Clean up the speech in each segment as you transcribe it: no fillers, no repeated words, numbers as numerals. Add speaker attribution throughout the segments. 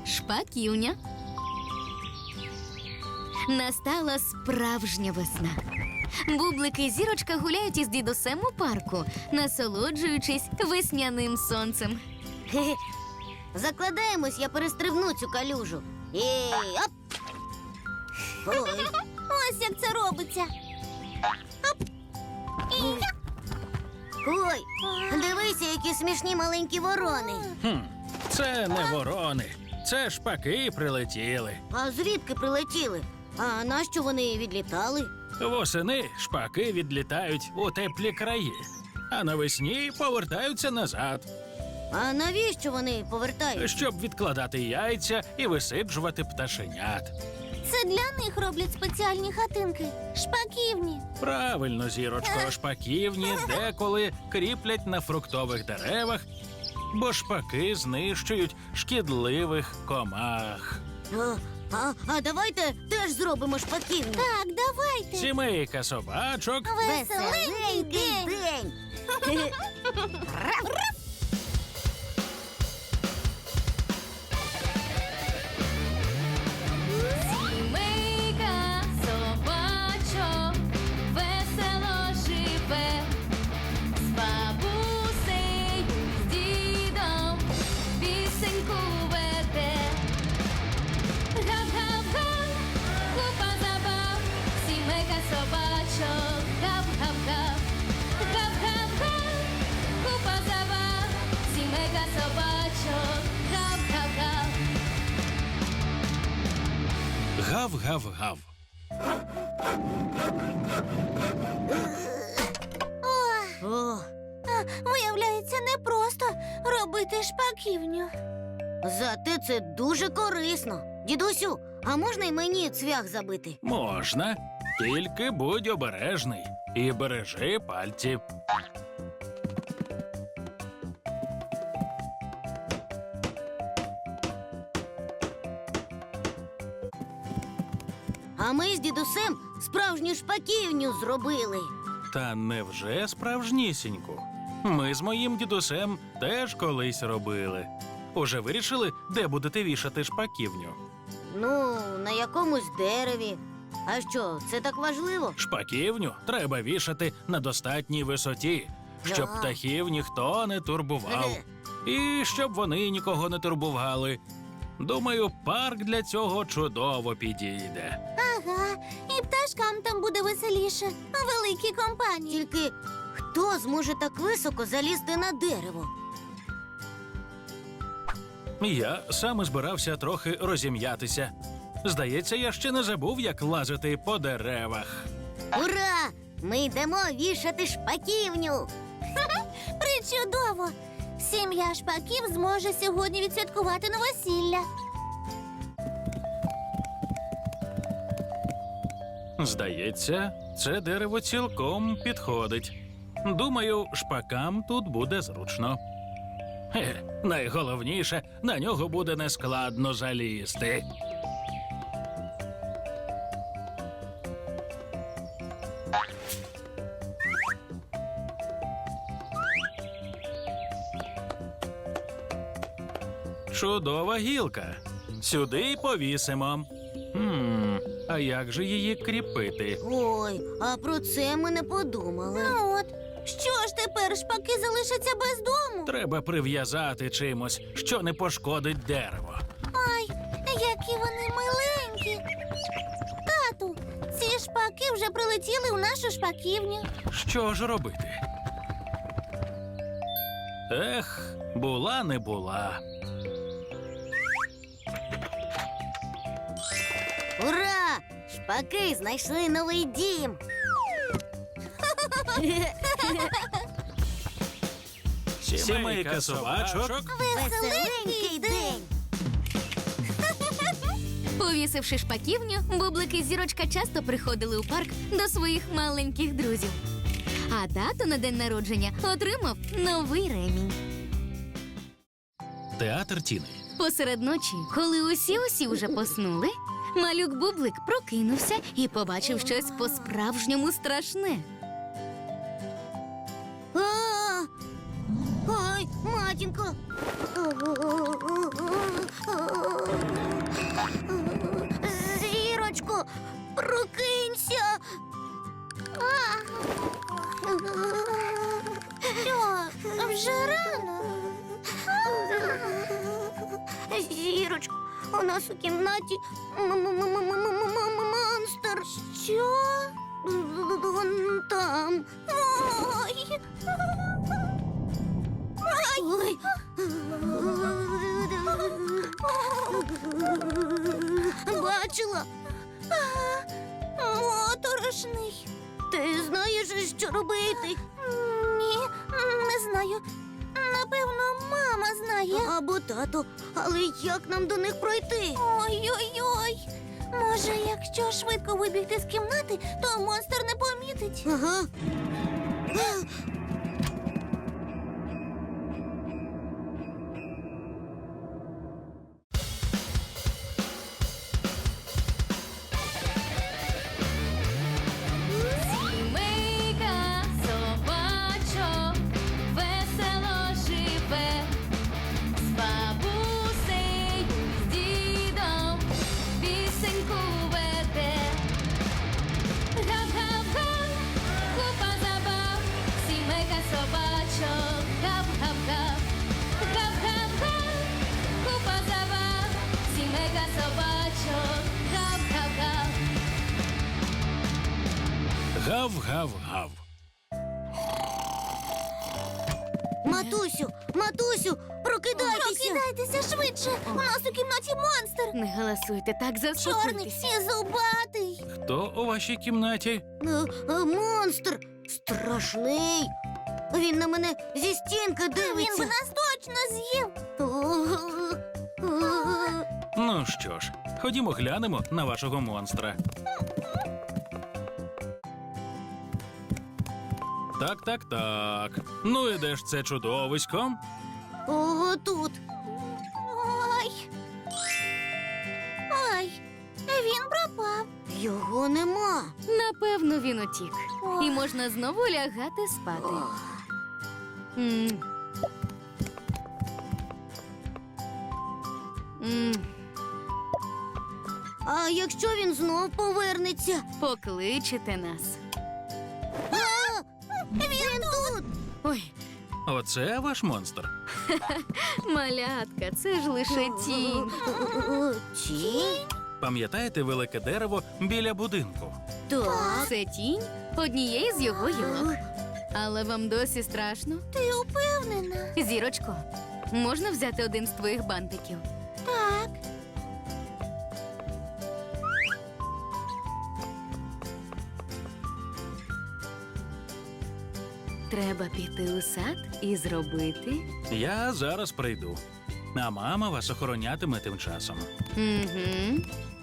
Speaker 1: Шпаківня. Настала справжня весна. Бублик і Зірочка гуляють із дідусем у парку, насолоджуючись весняним сонцем.
Speaker 2: Хе-хе. Закладаємось, я перестрибну цю калюжу. Оп! Ой.
Speaker 3: Ось як це робиться.
Speaker 2: Ой, дивися, які смішні маленькі ворони.
Speaker 4: Це не ворони, це шпаки прилетіли.
Speaker 2: А звідки прилетіли? А нащо вони відлітали?
Speaker 4: Восени шпаки відлітають у теплі краї, а навесні повертаються назад,
Speaker 2: А навіщо вони повертають?
Speaker 4: щоб відкладати яйця і висиджувати пташенят.
Speaker 3: Це для них роблять спеціальні хатинки. Шпаківні.
Speaker 4: Правильно, Зірочко, шпаківні деколи кріплять на фруктових деревах, бо шпаки знищують шкідливих комах.
Speaker 2: А давайте теж зробимо шпаківню.
Speaker 3: Так, давайте.
Speaker 4: Сімейка собачок
Speaker 3: Веселенький день.
Speaker 2: день.
Speaker 1: Сімейка собачок весело живе, з бабусею, з дідом пісеньку веде. Гав-гав-га, купа забав, сімейка собачок, гав-гав-гав. Гав-гав-га, купа забав, сімейка собачок, гав-гав-гав.
Speaker 4: гав-гав-гав.
Speaker 2: О,
Speaker 3: Виявляється, непросто робити шпаківню.
Speaker 2: зате це дуже корисно. Дідусю, а можна й мені цвях забити?
Speaker 4: Можна, тільки будь обережний і бережи пальці.
Speaker 2: А ми з дідусем справжню шпаківню зробили.
Speaker 4: Та невже справжнісіньку? Ми з моїм дідусем теж колись робили. Уже вирішили, де будете вішати шпаківню?
Speaker 2: Ну, на якомусь дереві. А що, це так важливо?
Speaker 4: Шпаківню треба вішати на достатній висоті, щоб
Speaker 2: Да.
Speaker 4: птахів ніхто не турбував. І щоб вони нікого не турбували. Думаю, парк для цього чудово підійде.
Speaker 3: Ага, і пташкам там буде веселіше. Великі компанії.
Speaker 2: Тільки хто зможе так високо залізти на дерево?
Speaker 4: Я саме збирався трохи розім'ятися. Здається, я ще не забув, як лазити по деревах.
Speaker 2: Ура! Ми йдемо вішати шпаківню.
Speaker 3: Причудово! Сім'я шпаків зможе сьогодні відсвяткувати новосілля.
Speaker 4: Здається, це дерево цілком підходить. Думаю, шпакам тут буде зручно. Найголовніше, на нього буде нескладно залізти. Чудова гілка. Сюди й повісимо. А як же її кріпити?
Speaker 2: Ой, а про це ми не подумали.
Speaker 3: Ну от, що ж тепер шпаки залишаться без дому?
Speaker 4: Треба прив'язати чимось, що не пошкодить дерево.
Speaker 3: Ай, які вони миленькі. Тату, ці шпаки вже прилетіли у нашу шпаківню.
Speaker 4: Що ж робити? Ех, була не була.
Speaker 2: Ура! Шпаки знайшли новий дім.
Speaker 4: Сімейка собачок.
Speaker 2: Веселенький день.
Speaker 1: Повісивши шпаківню, Бублик і Зірочка часто приходили у парк до своїх маленьких друзів. А тато на день народження отримав новий ремінь.
Speaker 4: Театр Тіни.
Speaker 1: Посеред ночі, коли усі вже поснули, малюк Бублик прокинувся і побачив щось по-справжньому страшне.
Speaker 2: А! Ой, матінко. Прокинься!
Speaker 3: Що, вже рано?
Speaker 2: Зірочко, у нас у кімнаті монстр.
Speaker 3: Що?
Speaker 2: Вон там.
Speaker 3: Ой!
Speaker 2: Ой. Бачила?
Speaker 3: Моторошний.
Speaker 2: Ти знаєш, що робити?
Speaker 3: Ні, не знаю. Напевно, мама знає.
Speaker 2: Або тато. Але як нам до них пройти?
Speaker 3: Ой-ой-ой. Може, якщо швидко вибігти з кімнати, то монстр не помітить.
Speaker 2: Ага.
Speaker 1: Сімейка собачок весело живе, з бабусею, з дідом пісеньку веде. Гап-гап-га, купа забав, сімейка собачок, гап-гап-га. Гап-гап-га, купа забав, сімейка собачок, гап-гап-га.
Speaker 4: Гав-гав-гав.
Speaker 2: Матусю, прокидайтеся.
Speaker 3: Прокидайтеся швидше. У нас у кімнаті монстр.
Speaker 1: Не галасуйте, так
Speaker 3: Чорний
Speaker 1: заспокойтеся.
Speaker 3: і зубатий.
Speaker 4: Хто у вашій кімнаті?
Speaker 2: Монстр страшний. Він на мене зі стінки
Speaker 3: Він би
Speaker 2: дивиться.
Speaker 3: нас точно з'їв.
Speaker 4: Ну що ж, ходімо глянемо на вашого монстра. Так. Ну і де ж це чудовисько?
Speaker 2: Ого, тут.
Speaker 3: Ой. Ой, він пропав.
Speaker 2: Його нема.
Speaker 1: Напевно, він утік.
Speaker 3: Ох.
Speaker 1: І можна знову лягати спати. М. М.
Speaker 2: А якщо він знов повернеться?
Speaker 1: Покличете нас.
Speaker 2: Він тут.
Speaker 1: Ой,
Speaker 4: Оце ваш монстр.
Speaker 1: малятка, це ж лише тінь.
Speaker 2: Тінь?
Speaker 4: Пам'ятаєте велике дерево біля будинку?
Speaker 2: Так.
Speaker 1: Це тінь однієї з його гілок. Але вам досі страшно?
Speaker 3: Ти упевнена?
Speaker 1: Зірочко, можна взяти один з твоїх бантиків?
Speaker 3: Так.
Speaker 1: Треба піти у сад і зробити.
Speaker 4: Я зараз прийду. А мама вас охоронятиме тим часом.
Speaker 1: Угу.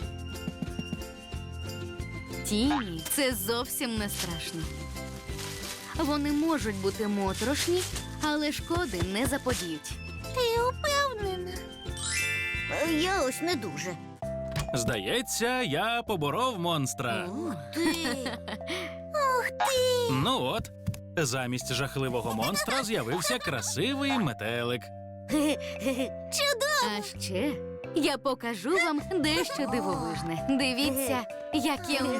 Speaker 1: Тіні це зовсім не страшно. Вони можуть бути моторошні, але шкоди не заподіють.
Speaker 3: Ти упевнена?
Speaker 2: Я ось не дуже.
Speaker 4: Здається, я поборов монстра.
Speaker 2: Ти.
Speaker 3: Ух ти!
Speaker 4: Ну от, замість жахливого монстра з'явився красивий метелик.
Speaker 3: Чудово!
Speaker 1: А ще я покажу вам дещо дивовижне. Дивіться, як я вмію.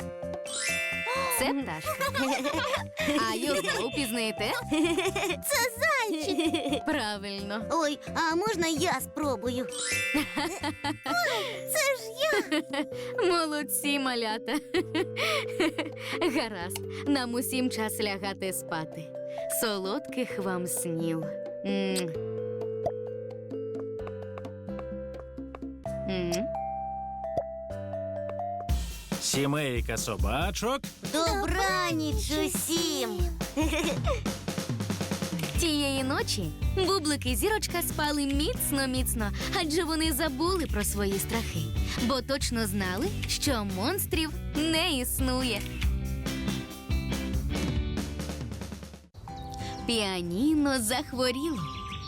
Speaker 1: Це пташка. А його впізнаєте?
Speaker 3: Це зайчик!
Speaker 1: Правильно.
Speaker 2: Ой, а можна я спробую?
Speaker 3: Це ж я!
Speaker 1: Молодці, малята. Гаразд, нам усім час лягати спати. Солодких вам снів. М. М.
Speaker 4: Сімейка собачок.
Speaker 2: Добраніч усім.
Speaker 1: Тієї ночі Бублик і Зірочка спали міцно-міцно, адже вони забули про свої страхи, бо точно знали, що монстрів не існує. Піаніно захворіло.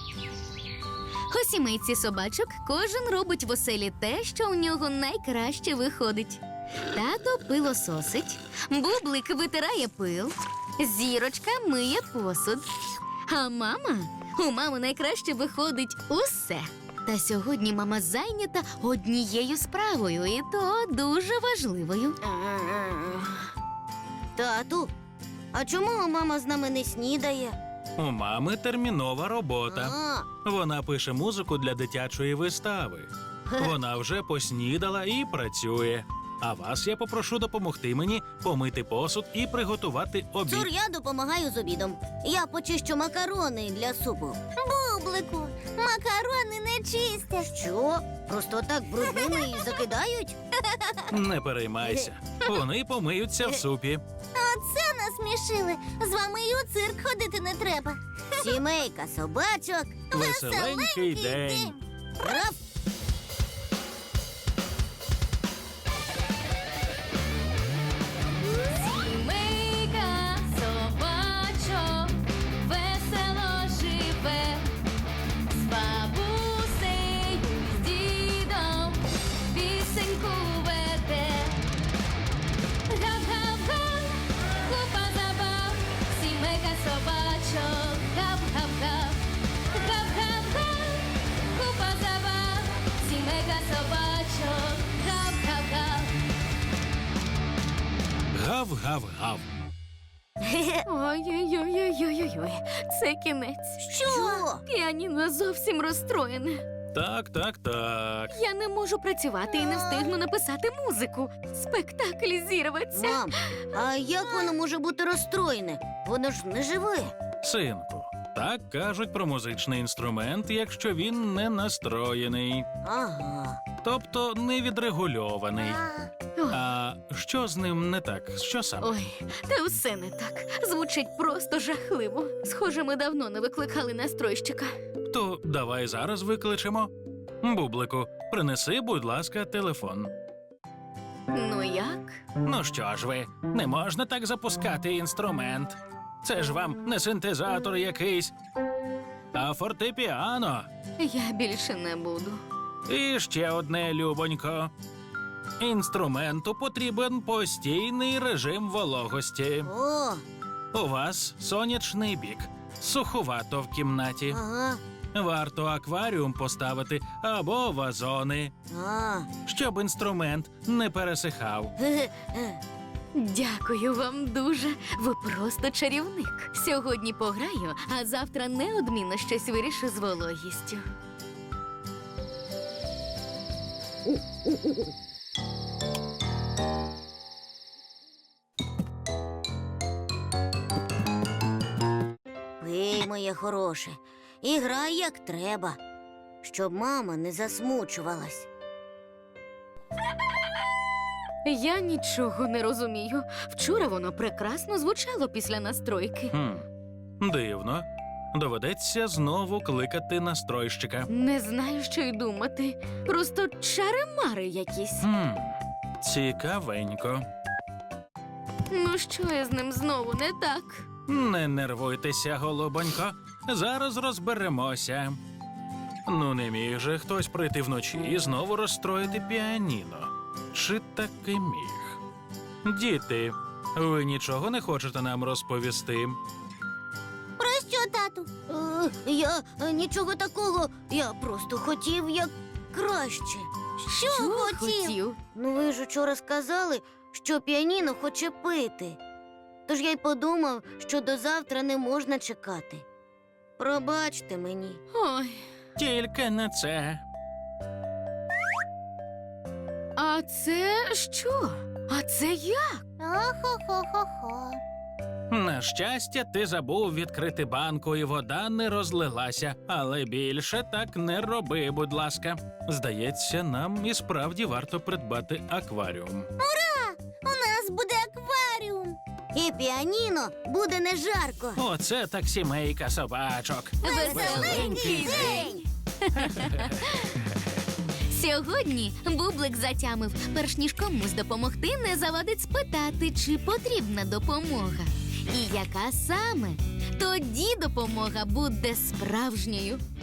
Speaker 1: У сімейці собачок кожен робить в оселі те, що у нього найкраще виходить. Тато пилососить, Бублик витирає пил, Зірочка миє посуд. А у мами найкраще виходить усе. Та сьогодні мама зайнята однією справою, і то дуже важливою.
Speaker 2: Тату, а чому мама з нами не снідає?
Speaker 4: У мами термінова робота.
Speaker 2: А,
Speaker 4: Вона пише музику для дитячої вистави. Вона вже поснідала і працює. А вас я попрошу допомогти мені помити посуд і приготувати обід.
Speaker 2: Цур, я допомагаю з обідом. Я почищу макарони для супу.
Speaker 3: Бублику, макарони не чистять.
Speaker 2: Що? Просто так брудними і закидають?
Speaker 4: Не переймайся. Вони помиються в супі.
Speaker 3: Оце насмішили. З вами і у цирк ходити не треба.
Speaker 2: Сімейка собачок.
Speaker 4: Веселенький день.
Speaker 2: Раф!
Speaker 1: Сімейка собачок весело живе, з бабусею, з дідом пісеньку веде. Гап-гап-га, купа забав, сімейка собачок, гап-гап-га. Гап-гап-га, купа забав, сімейка собачок, гап-гап-га.
Speaker 4: Гав-гав-гав.
Speaker 1: Ой-ой-ой-ой-ой-ой, це кінець.
Speaker 2: Що?
Speaker 1: Піаніно зовсім розстроєне.
Speaker 4: Так.
Speaker 1: Я не можу працювати і не встигну написати музику. Спектакль зірветься.
Speaker 2: Мам, а як воно може бути розстроєне? Воно ж не живе.
Speaker 4: Синку, так кажуть про музичний інструмент, якщо він не настроєний,
Speaker 2: Ага.
Speaker 4: тобто не відрегульований.
Speaker 1: Ой,
Speaker 4: А що з ним не так? Що саме?
Speaker 1: ой, та все не так. Звучить просто жахливо. Схоже, ми давно не викликали настройщика.
Speaker 4: То давай зараз викличемо. Бублику, принеси, будь ласка, телефон.
Speaker 1: Ну як?
Speaker 4: Ну що ж ви, не можна так запускати інструмент. Це ж вам не синтезатор якийсь, а фортепіано.
Speaker 1: Я більше не буду.
Speaker 4: І ще одне, любонько. Інструменту потрібен постійний режим вологості.
Speaker 2: О,
Speaker 4: У вас сонячний бік, суховато в кімнаті.
Speaker 2: ага.
Speaker 4: Варто акваріум поставити або вазони,
Speaker 2: А.
Speaker 4: щоб інструмент не пересихав.
Speaker 2: Ге-ге.
Speaker 1: Дякую вам дуже. Ви просто чарівник. Сьогодні пограю, а завтра неодмінно щось вирішу з вологістю.
Speaker 2: Пий, моє хороше, і грай як треба, щоб мама не засмучувалась.
Speaker 1: Я нічого не розумію. Вчора воно прекрасно звучало після настройки.
Speaker 4: Дивно. Доведеться знову кликати настройщика.
Speaker 1: Не знаю, що й думати. Просто чари-мари якісь.
Speaker 4: Цікавенько.
Speaker 1: Ну що я з ним знову не так?
Speaker 4: Не нервуйтеся, голубонько. Зараз розберемося. Ну, не міг же хтось прийти вночі і знову розстроїти піаніно. Чи таки міг? Діти, ви нічого не хочете нам розповісти?
Speaker 3: Про що, тату?
Speaker 2: Я нічого такого, я просто хотів як краще.
Speaker 3: Що хотів?
Speaker 2: Ну ви ж учора сказали, що піаніно хоче пити. Тож я й подумав, що до завтра не можна чекати. Пробачте мені.
Speaker 1: Ой,
Speaker 4: Тільки не це.
Speaker 1: а це що? А це як?
Speaker 3: Охо-хо-хо-хо.
Speaker 4: На щастя, ти забув відкрити банку, і вода не розлилася. Але більше так не роби, будь ласка. Здається, нам і справді варто придбати акваріум.
Speaker 3: У нас буде акваріум.
Speaker 2: І піаніно буде не жарко.
Speaker 4: Оце так сімейка собачок.
Speaker 1: Веселенький день! Сьогодні Бублик затямив, перш ніж комусь допомогти, не завадить спитати, чи потрібна допомога. І яка саме? Тоді допомога буде справжньою.